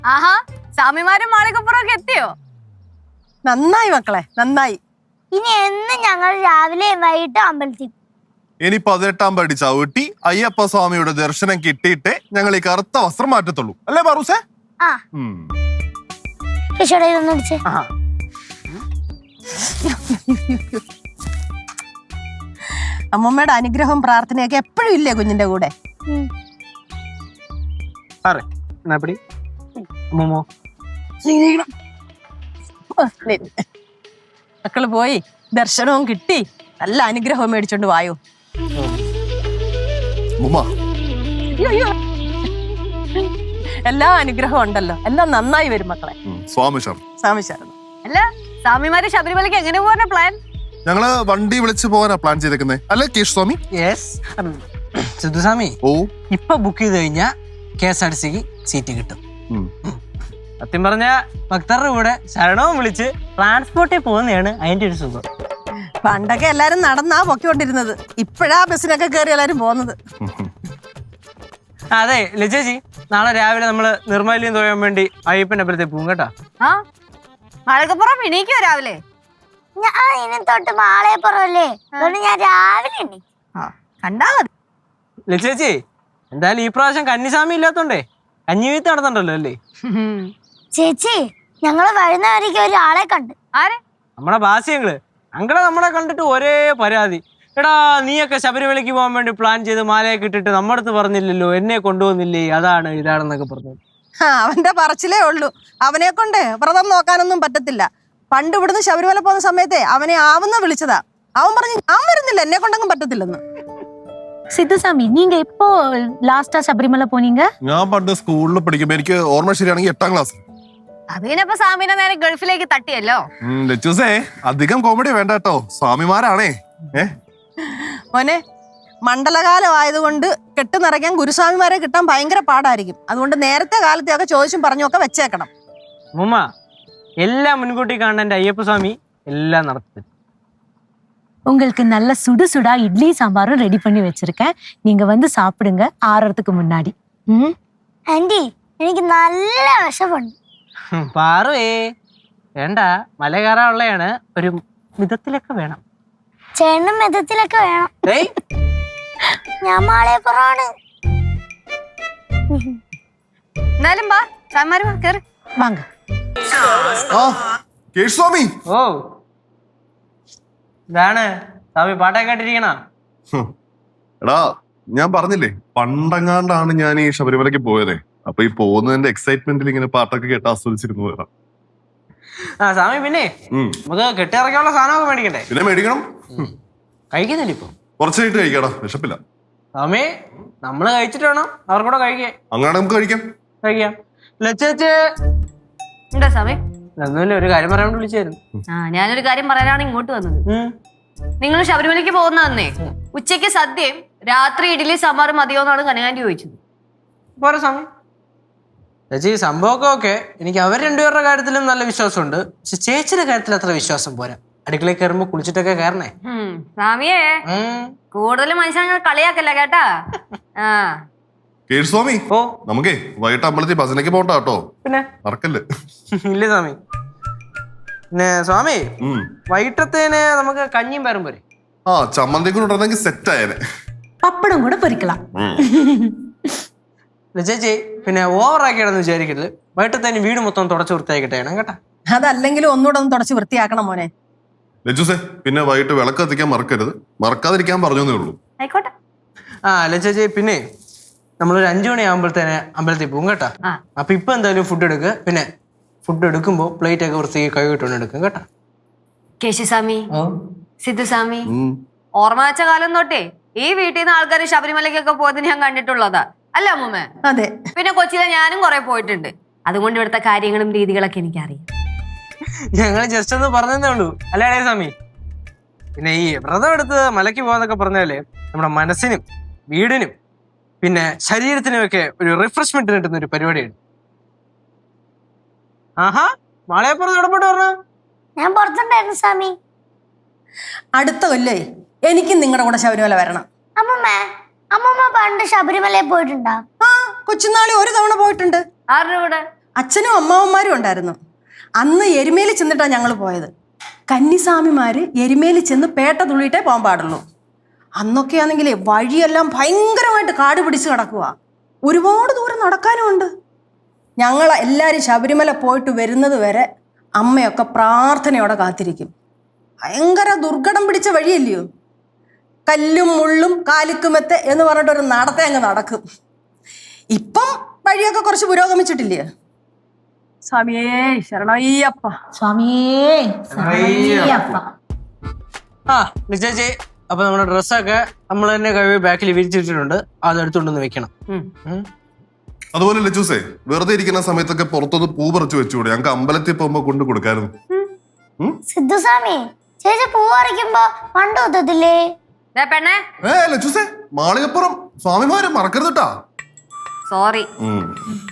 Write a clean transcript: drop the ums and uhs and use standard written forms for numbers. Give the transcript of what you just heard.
ആഹാ, സ്വാമിമാരും മാളികപ്പുറമൊക്കെ എത്തിയോ? നന്നായി മക്കളെ, നന്നായി. ഇനി എന്ന് ഞങ്ങൾ രാവിലെ വൈകിട്ട് അമ്പലത്തിൽ. ഇനി 18-ാം പടി ചവിട്ടി അയ്യപ്പ സ്വാമിയുടെ ദർശനം കിട്ടിയിട്ടേ ഞങ്ങൾ ഈ കറുത്ത വസ്ത്രം മാറ്റത്തുള്ളൂ, അല്ലേ പാറൂസേ? അമ്മമ്മയുടെ അനുഗ്രഹവും പ്രാർത്ഥനയൊക്കെ എപ്പോഴും ഇല്ലേ കുഞ്ഞിന്റെ കൂടെ? മക്കള് പോയി ദർശനവും കിട്ടി, നല്ല അനുഗ്രഹവും മേടിച്ചോണ്ട് വായോ. എല്ലാ അനുഗ്രഹവും ഉണ്ടല്ലോ, എല്ലാം നന്നായി വരും മക്കളെ. സ്വാമി ശരണം. അല്ല, സ്വാമിമാര് ശബരിമലയ്ക്ക് എങ്ങനെ പോകാനാ പ്ലാൻ? ഞങ്ങള് വണ്ടി വിളിച്ച് പോകാനാ പ്ലാൻ ചെയ്തേക്കുന്നേ, അല്ലേ കേശ് സ്വാമി? സിദ്ധുസ്വാമി, ഓ, ഇപ്പൊ ബുക്ക് ചെയ്ത് കഴിഞ്ഞാ KSRTCക്ക് സീറ്റ് കിട്ടും. സത്യം പറഞ്ഞ ഭക്തരുടെ കൂടെ ശരണവും വിളിച്ച് ട്രാൻസ്പോർട്ടിൽ പോകുന്നതാണ് അതിന്റെ ഒരു സുഖം. പണ്ടൊക്കെ എല്ലാരും നടന്നാ പൊക്കിക്കൊണ്ടിരുന്നത്, ഇപ്പഴാ ബസ്സിനൊക്കെ കയറി എല്ലാരും പോകുന്നത്. അതെ ലജേജി, നാളെ രാവിലെ നമ്മള് നിർമ്മല്യം തോയാൻ വേണ്ടി അയ്യപ്പന്റെ അമ്പലത്തിൽ പോകും കേട്ടോ. മാളികപ്പുറം എണീക്കോ രാവിലെ? ഞാൻ ഇനി തൊട്ട് മാളയപ്പുറമല്ലേ, അതുകൊണ്ട് ഞാൻ രാവിലെ കണ്ടാ മതി. ലജേജി, എന്തായാലും ഈ പ്രാവശ്യം കന്നിസ്വാമി ഇല്ലാത്തോണ്ടേ കഞ്ഞി വീത്ത് നടന്നുണ്ടല്ലോ അല്ലേ? ചേച്ചി, ഞങ്ങള് വരുന്നവരേക്ക് ഒരാളെ കണ്ട്. ആരെ? നമ്മളെ ബാസ്യങ്ങള് അങ്കളെ നമ്മളെ കണ്ടിട്ട് ഒരേ പരാതി. എടാ, നീയൊക്കെ ശബരിമലയ്ക്ക് പോകാൻ വേണ്ടി പ്ലാൻ ചെയ്ത് മാലയൊക്കെ ഇട്ടിട്ട് നമ്മുടെ അടുത്ത് പറഞ്ഞില്ലല്ലോ, എന്നെ കൊണ്ടുപോകുന്നില്ലേ, അതാണ് ഇതാണെന്നൊക്കെ പറഞ്ഞു. അവന്റെ പറച്ചിലേ ഉള്ളൂ, അവനെ കൊണ്ട് വ്രതം നോക്കാനൊന്നും പറ്റത്തില്ല. പണ്ട് ഇവിടുന്ന് ശബരിമല പോകുന്ന സമയത്തെ അവനെ ആവുന്ന വിളിച്ചതാ, അവൻ പറഞ്ഞു ഞാൻ വരുന്നില്ല, എന്നെ കൊണ്ടൊന്നും പറ്റത്തില്ലെന്ന്. സിദ്ധുസ്വാമി, നീങ്ക എപ്പോ ലാസ്റ്റാ ശബരിമല പോനീങ്ക? ഞാൻ പണ്ട് സ്കൂളിൽ പഠിക്കുമ്പോ, എനിക്ക് ഓർമ്മ ശരിയാണെങ്കിൽ 8-ാം ക്ലാസ്. അതിനിപ്പോ സ്വാമിനെ നേരെ ഗൾഫിലേക്ക് തട്ടിയല്ലോ. ലച്ചൂസേ, അധികം കോമഡി വേണ്ട കേട്ടോ, സ്വാമിമാരാണേ. മോനെ, മണ്ഡലകാലം ആയതുകൊണ്ട് കെട്ട് നിറയ്ക്കാൻ ഗുരുസ്വാമിമാരെ കിട്ടാൻ ഭയങ്കര പാടായിരിക്കും. അതുകൊണ്ട് നേരത്തെ കാലത്തെയൊക്കെ ചോദിച്ചും പറഞ്ഞൊക്കെ വെച്ചേക്കണം. മുമ്മ, എല്ലാം മുൻകൂട്ടി കാണേണ്ട എന്റെ അയ്യപ്പ സ്വാമി എല്ലാം നടത്തി. உங்களுக்கு நல்ல சுடு சுடா இட்லி சாம்பாரும் ரெடி பண்ணி வச்சிருக்கேன், நீங்க வந்து சாப்பிடுங்க ஆறறதுக்கு முன்னாடி. ആന്റി, എനിക്ക് നല്ല വിശപ്പുണ്ട്. പാറുവേ വേണ്ട, മല കയറാനുള്ളതാണ്, ഒരു മിതത്തിലൊക്കെ വേണം. ചേട്ടനും മിതത്തിലൊക്കെ വേണം. ഞാൻ മാളയപ്പുറമാണ്. എന്നാലും വാ, സ്വാമിമാര് വാ, കേറ്. வாங்க. കേശ് സ്വാമി, ഓ ഇതാണ് സ്വാമി പാട്ടൊക്കെ കേട്ടിരിക്കണ. എടാ, ഞാൻ പറഞ്ഞില്ലേ പണ്ടങ്ങാണ്ടാണ് ഞാൻ ഈ ശബരിമലയ്ക്ക് പോയതേ. അപ്പൊ ഈ പോകുന്നതിന്റെ എക്സൈറ്റ്മെന്റിൽ ഇങ്ങനെ പാട്ടൊക്കെ കേട്ട് ആസ്വദിച്ചിരുന്നു വരാം. സ്വാമി, പിന്നെ നമുക്ക് കെട്ടിറക്കാനുള്ള സാധനമൊക്കെ മേടിക്കണ്ടേ? പിന്നെ മേടിക്കണം. കഴിക്കുന്നില്ല ഇപ്പൊ? കുറച്ചായിട്ട് കഴിക്കാടാ, വിശപ്പില്ല. സ്വാമി, നമ്മള് കഴിച്ചിട്ട് വേണം അവർക്കൂടെ കഴിക്കാൻ. അങ്ങനെ നമുക്ക് കഴിക്കാം. ലച്ചേച്ചേ, എന്താ സ്വാമി? ഒന്നുമില്ല, ഒരു കാര്യം പറയാൻ വിളിച്ചായിരുന്നു. ഞാനൊരു കാര്യം പറയാനാണ് ഇങ്ങോട്ട് വന്നത്. നിങ്ങൾ ശബരിമലയ്ക്ക് പോകുന്നതന്നേ ഉച്ചയ്ക്ക് സദ്യയും രാത്രി ഇഡ്ഡലി സാമ്പാറും മതിയോന്നാണ് കനകാന്റി ചോദിച്ചത്. പോരാ സ്വാമി. ചേച്ചി, സംഭവമൊക്കെ ഓക്കെ, എനിക്ക് അവർ രണ്ടുപേരുടെ കാര്യത്തിലും നല്ല വിശ്വാസമുണ്ട്. പക്ഷെ ചേച്ചിയുടെ കാര്യത്തിൽ അത്ര വിശ്വാസം പോരാ. അടുക്കളയിൽ കയറുമ്പോ കുളിച്ചിട്ടൊക്കെ കയറണേ. സ്വാമിയേ, കൂടുതൽ മനുഷ്യനെ കളിയാക്കല്ല കേട്ടാ. കേശ് സ്വാമി, നമുക്കേ വൈകിട്ട് അമ്പലത്തിൽ ഭജനയ്ക്ക് പോകണ്ട കേട്ടോ. പിന്നെ മറക്കല്ലേ? ഇല്ല സ്വാമി. പിന്നെ സ്വാമി, വൈകിട്ടത്തേന് നമുക്ക് കഞ്ഞിയും പേരും പോരെ? ചമ്മന്തി കൂടെ ഉണ്ടെങ്കിൽ സെറ്റ് ആയേനെ. പപ്പടം കൂടെ പൊരിക്കണം. ചേച്ചി, പിന്നെ ഓവറാക്കിയാണെന്ന് വിചാരിക്കരുത്. വൈകിട്ടത്തേന് വീട് മൊത്തം തുടച്ച് വൃത്തിയാക്കിട്ടെ കേട്ടാ. അതല്ലെങ്കിലും ഒന്നുകൂടെ ഒന്ന് തുടച്ച് വൃത്തിയാക്കണം മോനെ. ലജുസേ, പിന്നെ വൈകിട്ട് വിളക്ക് കത്തിക്കാൻ മറക്കരുത്. മറക്കാതിരിക്കാൻ പറഞ്ഞേ ഉള്ളൂ. ആയിക്കോട്ടെ. ചേച്ചി, പിന്നെ നമ്മളൊരു 5 മണിയാകുമ്പോഴത്തേനെ അമ്പലത്തിൽ പോകും കേട്ടാ. അപ്പൊ ഇപ്പൊ എന്തായാലും ഫുഡ് എടുക്കുക. പിന്നെ ഫുഡ് എടുക്കുമ്പോ പ്ലേറ്റ് ഒക്കെ വൃത്തിയാക്കി കൈ കിട്ടുകൊണ്ട് എടുക്കും കേട്ടാ. കേശുസ്വാമി, സിദ്ധുസ്വാമി, ഓർമ്മ വെച്ച കാലം തൊട്ടേ ഈ വീട്ടിൽ നിന്ന് ആൾക്കാർ ശബരിമലയ്ക്കൊക്കെ പോയത് ഞാൻ കണ്ടിട്ടുള്ളതാ, അല്ല അമ്മൂമ്മ? അതെ. പിന്നെ കൊച്ചിയിലെ ഞാനും കുറെ പോയിട്ടുണ്ട്. അതുകൊണ്ട് ഇവിടുത്തെ കാര്യങ്ങളും രീതികളൊക്കെ എനിക്കറിയാം. ഞങ്ങൾ ജസ്റ്റ് ഒന്ന് പറഞ്ഞതേ ഉള്ളൂ, അല്ലേ സ്വാമി? പിന്നെ ഈ വ്രതം എടുത്ത് മലയ്ക്ക് പോകാന്നൊക്കെ പറഞ്ഞാല് നമ്മുടെ മനസ്സിനും വീടിനും പിന്നെ ശരീരത്തിനും ഒക്കെ ഒരു റിഫ്രഷ്മെന്റ് കിട്ടുന്ന ഒരു പരിപാടിയാണ്. ആഹാ, മാളയപ്പുറത്ത് ഇടപെട്ട് പറഞ്ഞ ഞാൻ പുറത്തുണ്ടായിരുന്നു സ്വാമി. അടുത്ത കൊല്ലേ എനിക്കും നിങ്ങളുടെ കൂടെ ശബരിമല വരണം. അമ്മമ്മ പണ്ട് ശബരിമലയിൽ പോയിട്ടുണ്ടോ? കൊച്ചുനാളി ഒരു തവണ പോയിട്ടുണ്ട്. ആരുടെ കൂടെ? അച്ഛനും അമ്മാവന്മാരും ഉണ്ടായിരുന്നു. അന്ന് എരുമേലി ചെന്നിട്ടാണ് ഞങ്ങൾ പോയത്. കന്നിസ്വാമിമാര് എരുമേലി ചെന്ന് പേട്ട തുള്ളിയിട്ടേ പോകാൻ പാടുള്ളൂ. അന്നൊക്കെ ആണെങ്കിൽ വഴിയെല്ലാം ഭയങ്കരമായിട്ട് കാട് പിടിച്ച് കിടക്കുക. ഒരുപാട് ദൂരം നടക്കാനും ഉണ്ട്. ഞങ്ങൾ എല്ലാവരും ശബരിമല പോയിട്ട് വരുന്നത് വരെ അമ്മയൊക്കെ പ്രാർത്ഥനയോടെ കാത്തിരിക്കും. ഭയങ്കര ദുർഘടം പിടിച്ച വഴിയല്ലയോ. കല്ലും മുള്ളും കാലിക്കുമെത്തെ എന്ന് പറഞ്ഞിട്ടൊരു നടത്തെ അങ്ങ് നടക്കും. ഇപ്പം വഴിയൊക്കെ കുറച്ച് പുരോഗമിച്ചിട്ടില്ലേ? സ്വാമിയേ ശരണയ്യപ്പ. സ്വാമിയേ ശരണയ്യപ്പ. ആ ചേച്ചി, അപ്പൊ നമ്മുടെ ഡ്രസ്സൊക്കെ നമ്മൾ തന്നെ കഴിവ് ബാക്കിൽ വിരിച്ചിട്ടുണ്ട്. അത് എടുത്തുകൊണ്ടൊന്ന് വെക്കണം. അതുപോലെ ലച്ചൂസേ, വെറുതെ ഇരിക്കുന്ന സമയത്തൊക്കെ പുറത്തൊന്ന് പൂ പറിച്ചു വെച്ചുകൂടെ? ഞങ്ങൾക്ക് അമ്പലത്തിൽ പോകുമ്പോ കൊണ്ട് കൊടുക്കായിരുന്നു. സിദ്ധുസ്വാമി, ചേച്ചി പൂ പറിക്കുമ്പോ പണ്ട് ഒത്തത്തില്ലേ? പെണ്ണേ, ലച്ചൂസേ, മാളികപ്പുറം സ്വാമിമാരെ മറക്കരുത് കേട്ടാ. സോറി.